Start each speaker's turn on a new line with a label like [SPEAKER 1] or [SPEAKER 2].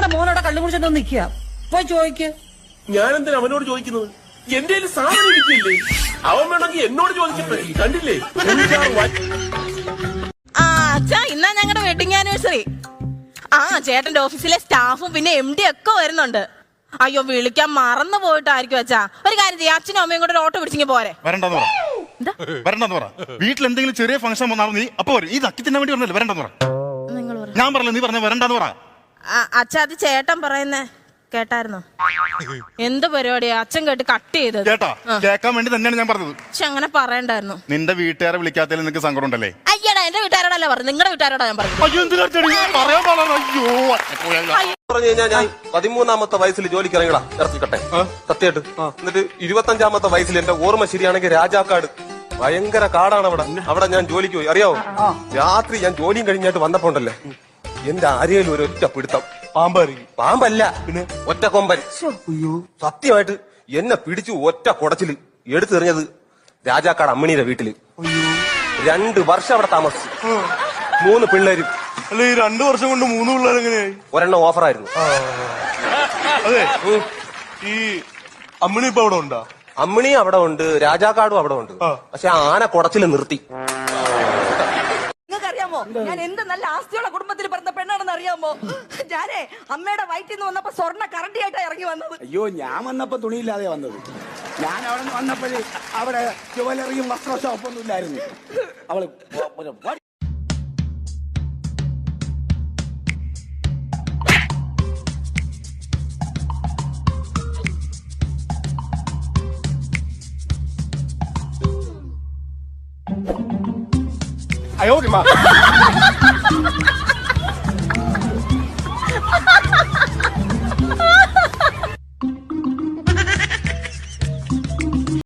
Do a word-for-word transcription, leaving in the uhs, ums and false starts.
[SPEAKER 1] ചേട്ടന്റെ മോനോടെ കള്ളു കുടിച്ചോണ്ട് നിക്കുക. പോയി ചോദിക്ക്.
[SPEAKER 2] ഞാനെന്തിനാ അവനോട് ചോദിക്കുന്നത്? എന്റെ സാധനം ഇരിക്കില്ലേ? അവൻ വേണമെങ്കിൽ എന്നോട് ചോദിക്കട്ടെ. കണ്ടില്ലേ?
[SPEAKER 3] ആ അച്ഛാ, ഇന്നാ ഞങ്ങളുടെ വെഡിങ് ആനിവേഴ്സറി. ആ ചേട്ടന്റെ ഓഫീസിലെ സ്റ്റാഫും പിന്നെ എം ഡി ഒക്കെ വരുന്നുണ്ട്. അയ്യോ വിളിക്കാൻ മറന്നു പോയിട്ടായിരിക്കും അച്ഛാ. ഒരു കാര്യം ചെയ്യാം, അച്ഛനും അമ്മയും കൂടെ ഒരു ഓട്ടോ പിടിച്ചിങ്ങി പോരെ.
[SPEAKER 4] വരണ്ടെന്ന് പറ, വരണ്ടെന്ന് പറ. വീട്ടിൽ എന്തെങ്കിലും ചെറിയ ഫംഗ്ഷൻ വന്നാലും നീ അപ്പൊ വരും. ഈ നക്കി തിന്നാൻ വേണ്ടി പറഞ്ഞല്ലേ വരണ്ടെന്ന് പറ. ഞാൻ പറഞ്ഞില്ല, നീ പറഞ്ഞ വരണ്ടെന്ന് പറ.
[SPEAKER 3] അച്ഛാ അത് ചേട്ടൻ പറയുന്നേ കേട്ടായിരുന്നോ? എന്ത് പരിപാടിയാ അച്ഛൻ കേട്ട് കട്ട് ചെയ്തത്?
[SPEAKER 4] കേട്ടാ, കേൾക്കാൻ വേണ്ടി തന്നെയാണ് ഞാൻ പറഞ്ഞത്.
[SPEAKER 3] പക്ഷെ അങ്ങനെ പറയണ്ടായിരുന്നു.
[SPEAKER 4] നിന്റെ വീട്ടുകാരെ വിളിക്കാത്തതിൽ നിനക്ക് സങ്കടം ഉണ്ടല്ലേ?
[SPEAKER 3] അയ്യടാ, എന്റെ വീട്ടുകാരോടല്ല പറഞ്ഞു, നിങ്ങളുടെ വീട്ടുകാരോടാ ഞാൻ പറഞ്ഞു.
[SPEAKER 2] ഞാൻ പതിമൂന്നാമത്തെ വയസ്സിൽ ജോലിക്ക് ഇറങ്ങിടാ ഇറക്കിക്കട്ടെ സത്യമായിട്ട്. എന്നിട്ട് ഇരുപത്തഞ്ചാമത്തെ വയസ്സിൽ എന്റെ ഓർമ്മ ശരിയാണെങ്കിൽ രാജാക്കാട് ഭയങ്കര കാടാണ് അവിടെ. അവിടെ ഞാൻ ജോലിക്ക് പോയി. അറിയാവോ, രാത്രി ഞാൻ ജോലിയും കഴിഞ്ഞായിട്ട് വന്നപ്പോ ഉണ്ടല്ലേ, എന്റെ അരയിൽ ഒരു ഒറ്റ പിടുത്തം. പാമ്പാരി പാമ്പല്ല, പിന്നെ ഒറ്റ കൊമ്പൻ. സത്യമായിട്ട് എന്നെ പിടിച്ചു ഒറ്റ കുടച്ചില് എടുത്തെറിഞ്ഞത് രാജാക്കാട് അമ്മിണിയുടെ വീട്ടില്. രണ്ട് വർഷം അവിടെ താമസിച്ചു. മൂന്ന് പിള്ളേരും.
[SPEAKER 5] അല്ല, ഈ രണ്ടു വർഷം കൊണ്ട് മൂന്ന് പിള്ളേർ എങ്ങനെയായി?
[SPEAKER 2] ഒരെണ്ണം ഓഫറായിരുന്നു.
[SPEAKER 5] അതെ, ഈ അമ്മിണി ഇപ്പൊ അവിടെ ഉണ്ടാ?
[SPEAKER 2] അമ്മിണി അവിടെ ഉണ്ട്, രാജാക്കാടും അവിടെ ഉണ്ട്. പക്ഷെ ആന കുടച്ചില് നിർത്തി.
[SPEAKER 1] നിങ്ങൾക്കറിയാമോ, ഞാൻ എന്ത് നല്ല ആസ്തിയുള്ള കുടുംബത്തിൽ പിറന്ന പെണ്ണാണെന്ന് അറിയാമോ? ഞാനേ അമ്മയുടെ വയറ്റിൽ നിന്ന് വന്നപ്പോ സ്വർണ്ണ കറണ്ടിയായിട്ടാ ഇറങ്ങി വന്നത്.
[SPEAKER 6] അയ്യോ, ഞാൻ വന്നപ്പോ തുണിയില്ലാതെ വന്നത്. ഞാൻ അവിടെ നിന്ന് വന്നപ്പോഴേ അവിടെ ജുവലറിയും വസ്ത്ര ഷോപ്പൊന്നും ഇല്ലായിരുന്നു. അവള്
[SPEAKER 2] അയ്യോ